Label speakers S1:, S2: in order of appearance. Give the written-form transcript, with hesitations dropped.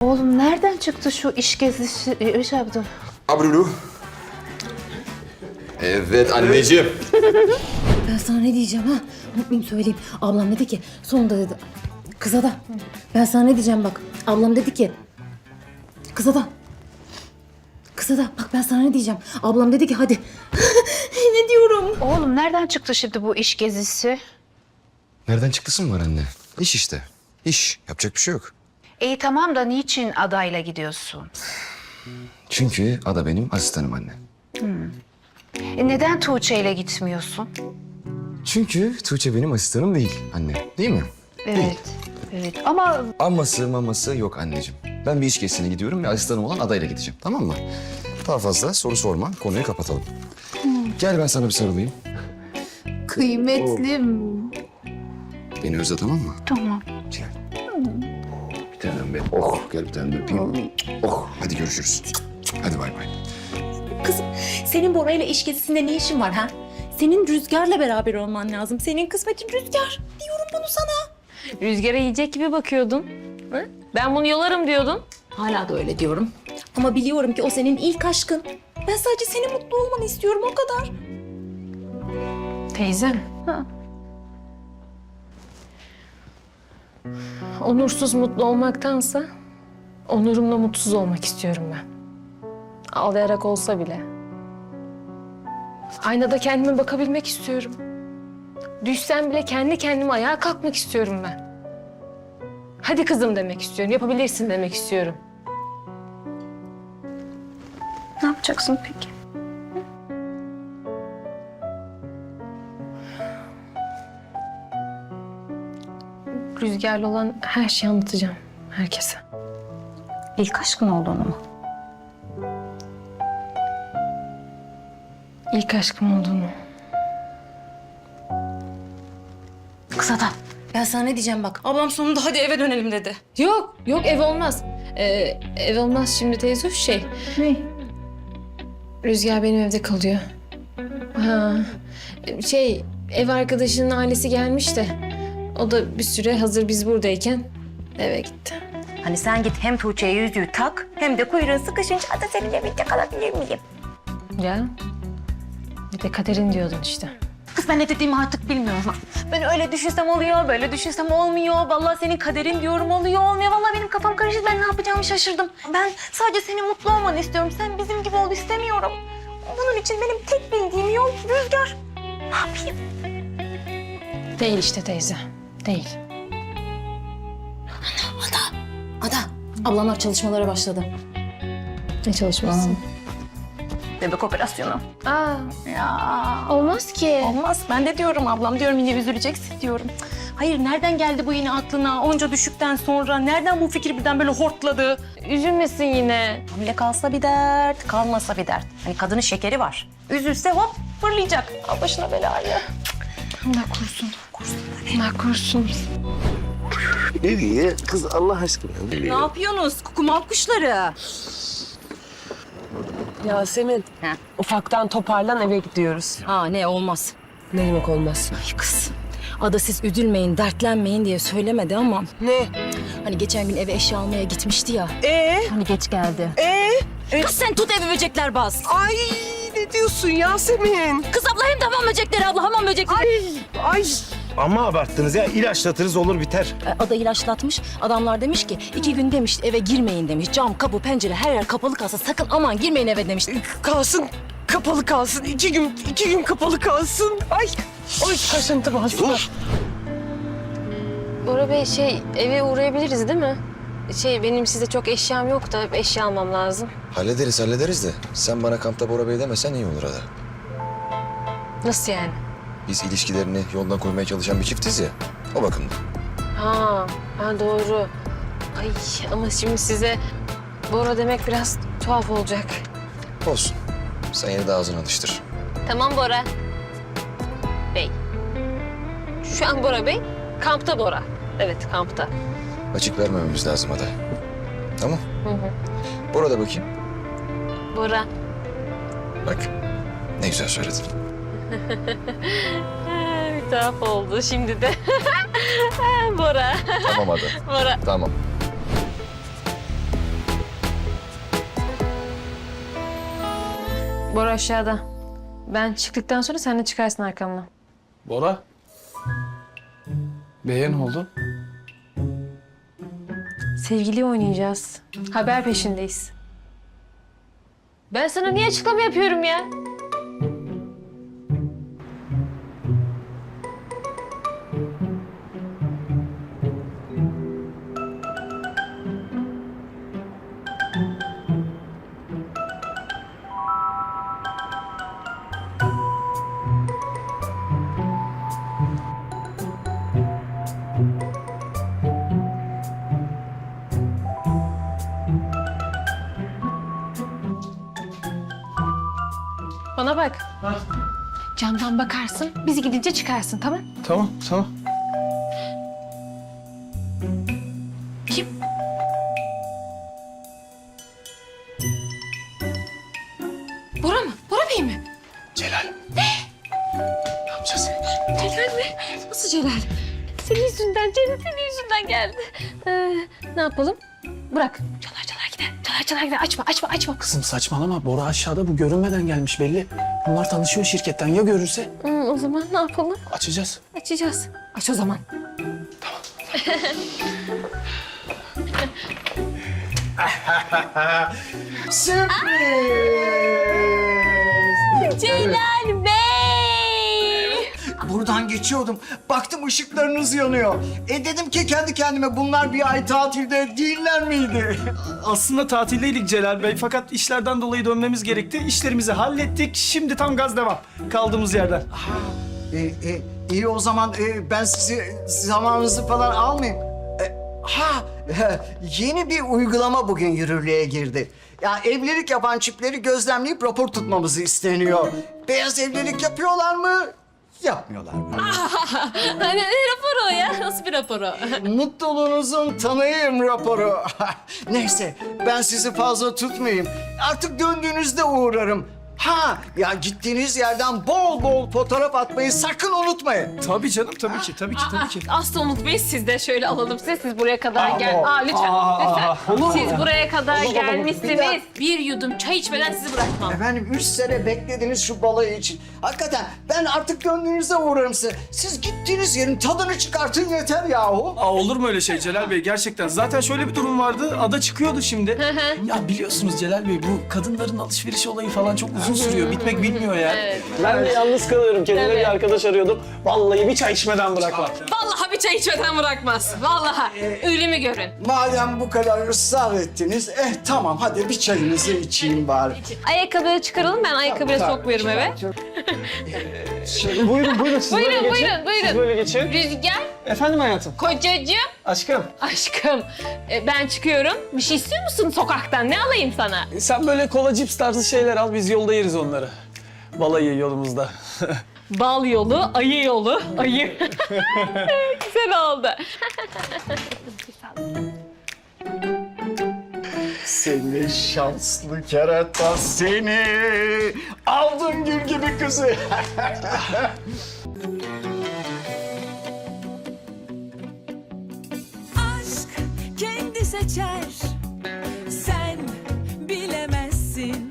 S1: Oğlum nereden çıktı şu iş gezisi? Şey yaptım.
S2: Abrulu. Evet anneciğim.
S3: Ben sana ne diyeceğim ha? Unutmayayım söyleyeyim. Ablam dedi ki sonunda dedi. Kıza da. Ben sana ne diyeceğim bak. Ablam dedi ki. Kıza da. Kıza da. Bak ben sana ne diyeceğim. Ablam dedi ki hadi. Ne diyorum?
S1: Oğlum nereden çıktı şimdi bu iş gezisi?
S2: Nereden çıktısın var anne? İş işte. İş. Yapacak bir şey yok.
S1: İyi tamam da niçin adayla gidiyorsun?
S2: Çünkü Ada benim asistanım anne.
S1: Neden Tuğçe ile gitmiyorsun?
S2: Çünkü Tuğçe benim asistanım değil anne. Değil mi?
S1: Evet. Evet ama
S2: Aması maması yok anneciğim. Ben bir iş gezisine gidiyorum ve asistanım olan adayla gideceğim. Tamam mı? Daha fazla soru sorma. Konuyu kapatalım. Gel ben sana bir sarılayım.
S1: kıymetlim.
S2: Beni özle tamam mı?
S1: Tamam.
S2: Gel. Bir tanem benim. Oh gel bir tane de öpeyim. Oh hadi görüşürüz. Hadi bay bay.
S3: Kızım senin Bora ile iş gezisinde ne işin var ha? Senin Rüzgar'la beraber olman lazım. Senin kısmetin Rüzgar. Diyorum bunu sana.
S4: Rüzgara yiyecek gibi bakıyordun. Hı? Ben bunu yolarım diyordun.
S3: Hala da öyle diyorum. Ama biliyorum ki o senin ilk aşkın. Ben sadece senin mutlu olmanı istiyorum o kadar.
S4: Teyzem. Onursuz mutlu olmaktansa onurumla mutsuz olmak istiyorum ben. Ağlayarak olsa bile. Aynada kendime bakabilmek istiyorum. Düşsem bile kendi kendime ayağa kalkmak istiyorum ben. Hadi kızım demek istiyorum, yapabilirsin demek istiyorum.
S1: Ne yapacaksın peki?
S4: Rüzgarlı olan her şeyi anlatacağım herkese.
S3: İlk aşkın olduğunu mu?
S4: İlk aşkım olduğunu.
S3: Kısa da. Ben sana ne diyeceğim bak. Ablam sonunda hadi eve dönelim dedi.
S4: Yok, yok ev olmaz. Ev olmaz şimdi teyze şey.
S1: Ne?
S4: Rüzgar benim evde kalıyor. Ha, ev arkadaşının ailesi gelmiş de o da bir süre hazır biz buradayken eve gitti.
S3: Hani sen git hem Tuğçe'ye yüzüğü tak hem de kuyruğun sıkışınca da senin evinde kalabilir miyim?
S4: Ya bir de kaderin diyordun işte.
S3: Kız ben ne dediğimi artık bilmiyorum. Ben öyle düşünsem oluyor, böyle düşünsem olmuyor. Vallahi senin kaderin diyorum oluyor, olmuyor. Vallahi benim kafam karıştı. Ben ne yapacağımı şaşırdım. Ben sadece senin mutlu olmanı istiyorum. Sen bizim gibi ol istemiyorum. Bunun için benim tek bildiğim yol Rüzgar. Ne yapayım?
S4: Değil işte teyze, değil.
S3: Ada, ablamlar çalışmalara başladı.
S4: Ne çalışması?
S3: Bebek operasyonu.
S4: Aa,
S3: Ya
S4: olmaz ki.
S3: olmaz. Ben de diyorum ablam diyorum yine üzüleceksin diyorum. Hayır nereden geldi bu yine aklına onca düşükten sonra? Nereden bu fikir birden böyle hortladı?
S4: Üzülmesin yine.
S3: Hamile kalsa bir dert, kalmasa bir dert. Hani kadının şekeri var. Üzülse hop fırlayacak. Al başına belayı.
S4: Allah korusun. Allah korusun.
S5: Nereye? Kız Allah aşkına.
S3: Ne yapıyorsunuz kukumav kuşları?
S6: Yasemin,
S3: He.
S6: ufaktan toparlan eve gidiyoruz.
S3: Ha ne olmaz.
S6: Ne demek olmaz?
S3: Ay kız. Ada siz üzülmeyin, dertlenmeyin diye söylemedi ama...
S6: Ne?
S3: Hani geçen gün eve eşya almaya gitmişti ya.
S6: Hani
S3: geç geldi.
S6: Kız
S3: Sen tut evi böcekler bas.
S6: Ay ne diyorsun Yasemin?
S3: Kız abla hem de hamam böcekleri abla hamam böcekleri.
S6: Ay.
S5: Ama abarttınız ya. İlaçlatırız olur biter.
S3: Ada ilaçlatmış. Adamlar demiş ki 2 gün demiş eve girmeyin demiş. Cam, kapı, pencere her yer kapalı kalsa sakın aman girmeyin eve demiş.
S6: Kalsın, kapalı kalsın. 2 gün kapalı kalsın. Ay kaşıntı bastı.
S4: Bora Bey eve uğrayabiliriz değil mi? Benim size çok eşyam yok da eşya almam lazım.
S2: Hallederiz de. Sen bana kampta Bora Bey demesen iyi olur Ada.
S4: Nasıl yani?
S2: Biz ilişkilerini yoldan koymaya çalışan bir çiftiz ya. O bakımdan.
S4: Ha doğru. Ay ama şimdi size Bora demek biraz tuhaf olacak.
S2: Olsun. Sen yine de ağzını alıştır.
S4: Tamam Bora Bey. Şu an Bora Bey, kampta Bora. Evet, kampta.
S2: Açık vermememiz lazım Ada. Tamam.
S4: Hı hı.
S2: Bora da bakayım.
S4: Bora.
S2: Bak. Ne güzel söyledin.
S4: Bir tuhaf oldu şimdi de. Bora.
S2: Tamam Ada.
S4: Bora.
S2: Tamam.
S4: Bora aşağıda. Ben çıktıktan sonra sen de çıkarsın arkamdan.
S7: Bora. Beye ne oldu?
S4: Sevgili oynayacağız. Haber peşindeyiz. Ben sana niye açıklama yapıyorum ya? Bana bak. Camdan bakarsın, biz gidince çıkarsın, tamam?
S7: Tamam, tamam.
S4: Kim? Bora mı? Bora Bey mi?
S7: Celal. Ne yapacağız?
S4: Celal mi? Nasıl Celal? Senin yüzünden, Celal senin yüzünden geldi. Ne yapalım? Bırak. Çalar çalar gider. Çalar çalar gider. Açma, açma, açma.
S7: Kızım saçmalama. Bora aşağıda, bu görünmeden gelmiş belli. Bunlar tanışıyor şirketten. Ya görürse?
S4: O zaman ne yapalım?
S7: Açacağız.
S4: Açacağız. Aç o zaman. Celal Bey!
S8: Buradan geçiyordum. Baktım ışıklarınız yanıyor. Dedim ki kendi kendime bunlar bir ay tatilde değiller miydi?
S9: Aslında tatildeydik Celal Bey fakat işlerden dolayı dönmemiz gerekti. İşlerimizi hallettik. Şimdi tam gaz devam. Kaldığımız yerden.
S8: İyi o zaman ben sizi zamanınızı falan almayayım. Yeni bir uygulama bugün yürürlüğe girdi. Ya evlilik yapan çiftleri gözlemleyip rapor tutmamızı isteniyor. Beyaz evlilik yapıyorlar mı? Yapmıyorlar mı?
S4: Hani ne raporu o ya? Nasıl bir raporu?
S8: Mutluluğunuzun tanıyım raporu. Neyse ben sizi fazla tutmayayım. Artık döndüğünüzde uğrarım. Ya gittiğiniz yerden bol bol fotoğraf atmayı sakın unutmayın.
S9: Tabii canım tabii ki tabii ki.
S4: Asla unutmayız, siz de şöyle alalım siz buraya kadar gel. Lütfen, lütfen. Siz buraya kadar gelmişsiniz. Bir yudum çay içmeden sizi bırakmam.
S8: Efendim 3 sene beklediniz şu balayı için. Hakikaten ben artık döndüğünüzde uğrarım size. Siz gittiğiniz yerin tadını çıkartın yeter yahu.
S9: Olur mu öyle şey Celal Bey gerçekten? Zaten şöyle bir durum vardı. Ada çıkıyordu şimdi. Ya biliyorsunuz Celal Bey bu kadınların alışveriş olayı falan çok uzun sürüyor. Bitmek bilmiyor ya.
S4: Evet.
S9: Ben de yalnız kalıyorum. Kendime
S4: Tabii.
S9: bir arkadaş arıyordum. Vallahi bir çay içmeden bırakmam.
S4: Vallahi bir çay içmeden bırakmaz. Vallahi. Ölümü görün.
S8: Madem bu kadar ısrar ettiniz, tamam hadi bir çayınızı içeyim bari.
S4: Ayakkabıları çıkaralım, ben ayakkabıya sokmuyorum eve.
S9: Buyurun siz böyle
S4: Buyurun,
S9: geçin.
S4: buyurun,
S9: Siz
S4: buyurun.
S9: böyle geçin.
S4: Rüzgar,
S9: Efendim hayatım.
S4: kocacığım,
S9: Aşkım.
S4: aşkım. Ben çıkıyorum. Bir şey istiyor musun sokaktan? Ne alayım sana?
S9: Sen böyle kola cips tarzı şeyler al. Biz yolda yeriz onları. Balayı yolumuzda.
S4: Bal yolu, ayı yolu, ayı. Güzel oldu.
S8: Seni şanslı kerata seni. Aldın gül gibi kızı.
S10: Aşk kendi seçer